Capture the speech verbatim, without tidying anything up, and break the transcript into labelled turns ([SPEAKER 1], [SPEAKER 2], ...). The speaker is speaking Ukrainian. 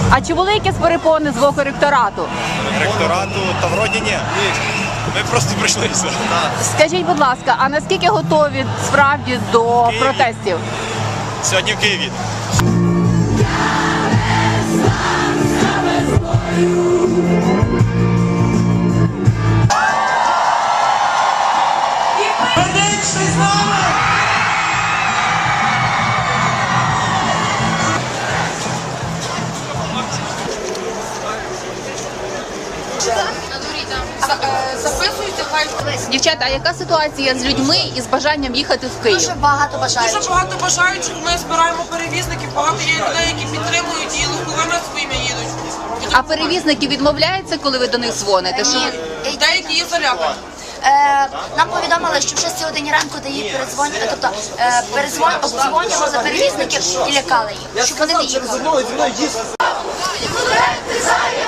[SPEAKER 1] А чи були якісь перепони з боку ректорату?
[SPEAKER 2] Ректорату, та вроді ні. Ми просто прийшли все.
[SPEAKER 1] Скажіть, будь ласка, а наскільки готові справді до
[SPEAKER 2] Києві.
[SPEAKER 1] протестів?
[SPEAKER 2] Сьогодні в Києві.
[SPEAKER 3] Записуйте, хай.
[SPEAKER 1] Дівчата, а яка ситуація з людьми і з бажанням їхати в Київ?
[SPEAKER 4] Дуже багато бажаючих.
[SPEAKER 3] Дуже багато бажаючих. Ми збираємо перевізників, багато є людей, які підтримують і легковими своїми їдуть.
[SPEAKER 1] А перевізники відмовляються, коли ви до них дзвоните? Що ви-
[SPEAKER 4] Ні.
[SPEAKER 3] Деякі є залякані.
[SPEAKER 4] Е, нам повідомили, що в шостій годині ранку дають передзвоню, тобто е, передзвон, обдзвонювали за перевізників і лякали їх, щоб вони не їхали.